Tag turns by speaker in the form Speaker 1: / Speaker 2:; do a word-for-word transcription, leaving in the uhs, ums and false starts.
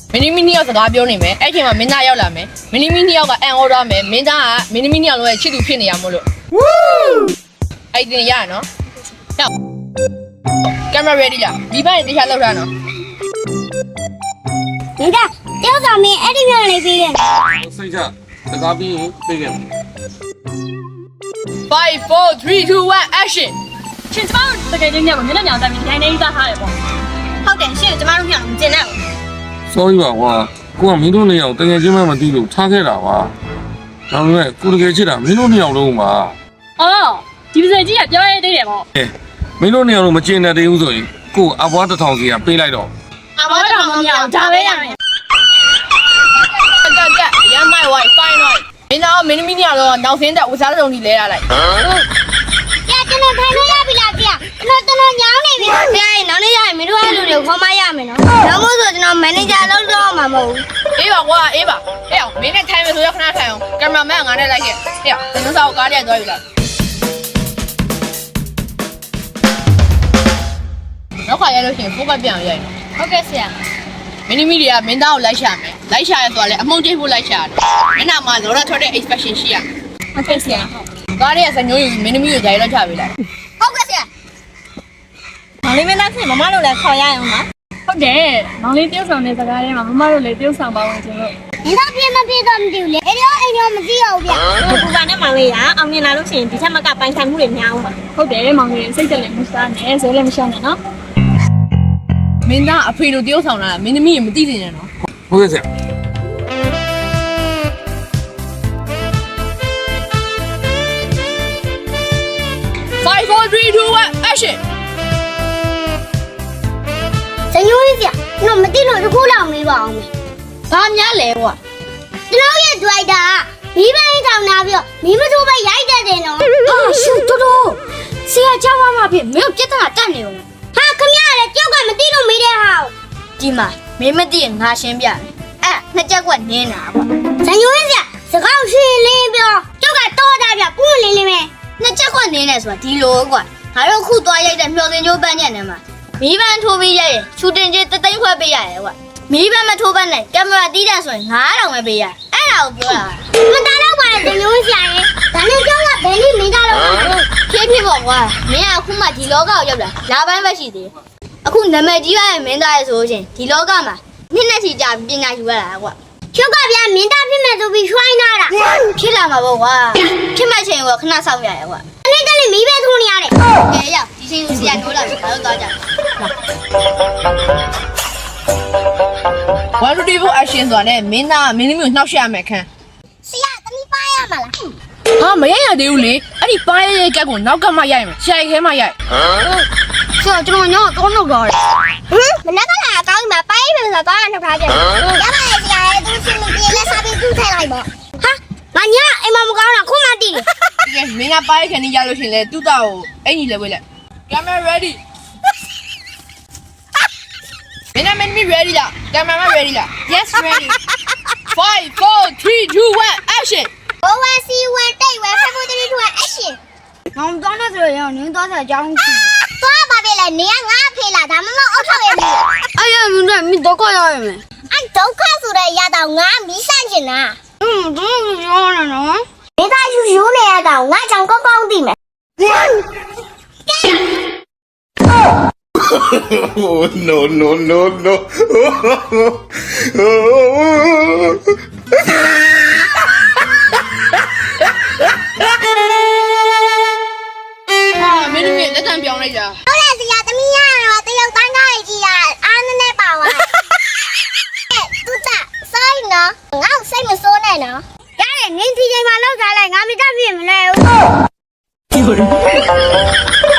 Speaker 1: မင်းသမီးနှစ်ယောက်စကားပြောနေမယ်အဲ့ချိန်မှာမင်းသားရောက်လာမယ်မင်းသမီးနှစ်ယောက်ကအန်အော်ဒါမယ်မင်းသားကမင်းသမီးနှစ်ယောက်လုံးရဲ့ချစ်သူဖြစ်နေရမို့လို့အဲ့ဒီရရနော်ဟုတ်ကင်မရာ ready လားဒီဘက်တေချာလောက်ထားနော်
Speaker 2: ဒီကတယောက်ဆောင်မင်းအဲ့ဒီမျိုးလေးပြီးခဲ့
Speaker 3: စိတ်ချစကားပြီးရင်ပြေးခဲ့မယ်
Speaker 1: five four three two one action
Speaker 4: ရှင်ကျမတို့တကယ်ချင်းညမှာမျက်နှာညောင်တိုင်းပြီးတိုင်းနေသားထားတယ်ပေါ့
Speaker 2: ဟုတ်တယ်ရှင်ကျမတို့ညောင်မကျင်နဲ့
Speaker 3: sorry ပါကွာကိုကမင်းတို့နှစ်ယောက်တကယ်ချင်းမှမသိလို့ထားခဲ့တာပါဒါပေမဲ့ကိုတကယ်ချစ်တာမင်းတို့နှစ်ယောက်လုံးပါ
Speaker 4: အော်ဒီပစံကြီးကပြောရသေးတယ်ပေါ့
Speaker 3: အဲမင်းတို့နှစ်ယောက်လုံးမကျင်တဲ့သေးဘူးဆိုရင်ကိုအဘွားတစ်ထောင်စီကပေးလိုက်တော့
Speaker 4: အဘွားတစ်ထောင်မရအောင်ဒါပဲရမယ်
Speaker 1: ကကရမိုင်ဝိုင်ဖိုင်ဝိုင်မင်းသားမင်းသမီးနှစ်ယောက်လုံးနောက်ဆင်းတဲ့ဝစားစုံကြီးလဲရလိုက်
Speaker 2: ပြကျွန်တော်ထိုင်လို့ရပြီလားပြကျွန်တော်ကျွန်တော်ညောင်းနေပြီပြရင်နောက်နေ့ရရင်မင်းတို့အဲ့လိုတွေခေါ်မရမယ်နော်နောက်မို့ဆိုကျွန်တော်မန်နေဂျာလုပ်တော့မှာမဟုတ်ဘူး
Speaker 1: အေးပါကွာအေးပါအေးအောင်မင်းနဲ့ထိုင်မယ်ဆိုရခဏထိုင်အောင်ကင်မရာမန်ကငါနဲ့လိုက်ခဲ့အေးအောင်ကျွန်တော်စာကိုကားထဲသွားယူလိုက်နောက်ခါရလို့ရှိရင်ဖိုးကပြန်ရိုက်
Speaker 2: ဟုတ်ကဲ့ဆရာ
Speaker 1: မင်းသမီးတွေကမင်းသားကိုလိုက်ရှာမယ်လိုက်ရှာရဲဆိုတော့လေအမုန်းတိတ်ဖို့လိုက်ရှာတယ်မျက်နှာမှာလောရထွက်တဲ့ expression ရှိရ
Speaker 4: ဟုတ်ကဲ့ဆရာ
Speaker 1: ကားထဲကစညိုးယူမင်းသမီးကိုဂျာရီလောက်ချပေးလိုက်
Speaker 2: ဟုတ်ကဲ့ဆရာ
Speaker 4: မောင်လေးမင်းသားဖြစ်မမတို့လည်းခေါ်ရအောင်ပါဟုတ်တယ်မောင်လေးတယောက်ဆောင်တဲ့စကားထဲမှာမမတို့လည်းတယောက်ဆောင်ပါဝင်ကျွန်တော်
Speaker 2: ဒီတော့ပြင်းမပြင်းတော့မသိဘူးလေအဲ့တော့အိမ်တော့မသိရဘူးဗျ
Speaker 4: ပူပါနဲ့မောင်လေးကအောင်မြင်လာလို့ရှိရင်ဒီချက်မကပိုင်ဆိုင်မှုတွေများအောင်ပါဟုတ်တယ်မောင်လေးစိတ်တက်လည်းမစားနဲ့ဇဲလည်းမရှောင်းနဲ့နော်
Speaker 1: မင်းသားအဖေတို့တယောက်ဆောင်လာမင်းသမီးရင်မသိနေနဲ့နော်
Speaker 3: ဟုတ်ကဲ့ဆရာ
Speaker 1: five four three two one action
Speaker 2: စညိုးကြီးဆရာကျွန်တော်မသိလို့တခုလောက်မေးပါအောင်မေ
Speaker 1: ဘာများလဲကွာ
Speaker 2: ကျွန်တော်ရဲ့ဒရိုက်တာမိဘရင်ထောင်လာပြီးတော့မိမတို့ပဲရိုက်တတ်တယ်နော်ဟာရှူတူတူဆရာကြောက်မှမဖြစ်မင်းပြဿနာတက်နေအောင်ဟာခမရလေကြောက်ကမသိလို့မေးတဲ့ဟာ
Speaker 1: ဒီမှာမင်းမသိရင်ငါရှင်းပြမယ်အဲ့နှစ်ချက်ကွက်နင်းတာပေါ့
Speaker 2: စညိုးကြီးဆရာစကားရှင်းလင်းပြောကြောက်ကတော့တာပြပူးလင်းလင်းပဲ
Speaker 1: နှစ်ချက်ကွက်နင်းတယ်ဆိုတာဒီလိုကွာငါတို့ခုသွားရိုက်တဲ့မျောစင်ကျိုးပန်းညက်နေမှာမီးပန်းထိုးပြီးရိုက်ရင်ရှူတင်ကြီးတသိန်းခွဲပေးရတယ်ကွာမီးပန်းမထိုးပန်းနဲ့ကင်မရာတီးတယ်ဆိုရင်ငါးထောင်ပဲပေးရအဲ့ဒါကိုပြောတာ
Speaker 2: မတားတော့ပါလေစညိုးဆရာရေဒါနဲ့ကြောက်ကဘယ်နည်းမင်းသားတော့
Speaker 1: ဖြည်းဖြည်းပေါ့ကွာမင်းကအခုမှဒီလောကကိုရောက်လာလာပိုင်းပဲရှိသေးတယ်အခုနာမည်ကြီးရတဲ့မင်းသားရဲ့ဆိုရှင်ဒီလောကမှာနှစ်နဲ့ချီကြာပညာယူရတာကွာ
Speaker 2: ကျောက်ကဗျာမင်းသားဖြစ်မဲ့ဆိုပြီးရွှိုင်းလာတာ
Speaker 1: ဖြစ်လာမှာပေါ့ကွာဖြစ်မဲ့ချိန်ကခဏစောင့်ရရကွာ
Speaker 2: အဲ့ဒါလည်းမီးပဲထိုးနေရတယ်
Speaker 1: ကဲရောက်ဒီချိန်ကိုဆရာနိုးလာပြီငါတို့သွားကြone two three four action ဆိုတာနဲ့မင်းသားမင်းသမီးကိုနှောက်ရှက်ရမယ်ခန်း
Speaker 2: ဆရာသမီးပါရမှာလား
Speaker 1: ဟာမရရသေးဘူးလေအဲ့ဒီပါရရဲ့ကက်ကိုနောက်ကမှရိုက်မယ်ရှာရဲခဲမှရိုက်
Speaker 2: ဆရာကျွန်တော်ညောင်းတော့နှုတ်တော့တယ်ဟမ်မနက်ကလာအကောင်းကြီးမှာပါရမယ်ဆိုတော့သွားနှုတ်ထားပြန်ရပါတယ်ဆရာရဲ့သူရှင်မပြေလဲစားပြီးသူ့ထိုင်လိုက်ပေါ့ဟာငါညအိမ်မမကောင်းတာခုမှတည်
Speaker 1: တယ်ကဲမင်းကပါရခဏရလို့ရှင်လေတူတာကိုအဲ့ညီလဲဝေးလိုက် camera ready မင်းကမင်းမီ ready လား camera ready လား yes ready five four three two one action
Speaker 2: one c one တိတ်ဝဲ five four three two one action ငေါ့တော့ဆိုရင်နင်းတော့တဲ့အကြောင်းရှိသွားပါပြီလေနေကငါဖေးလာဒါမှမဟုတ်အောက်ထောက်ရမယ်
Speaker 1: အဲ့ရမင်းတို့မင်းဒုက္ခရရမယ်
Speaker 2: အဲ့ဒုက္ခဆိုတဲ့ရတော့ငါမီးဆန့်ကျင်တာ
Speaker 1: อืมဒုက္ခရောနေနော်
Speaker 2: မိသားယူယူနေရတော့ငါကြောင့်ကောင်းကောင်းသိမယ်
Speaker 3: Oh no no no no
Speaker 1: ဟာမင်းတို့လက်တံပြောင်းလိုက်တာ
Speaker 2: ဟုတ်လားဆရာသမီးရတော့တရုတ်တိုင်းကားကြီးကအားနည်းနည်းပါသွားတူတာစိုင်းနော်ငါ့စိတ်မစိုးနဲ့နော်ရတယ်ငင်းဒီချိန်မှာလောက်ထားလိုက်ငါမိသားပြည့်မလဲဘူး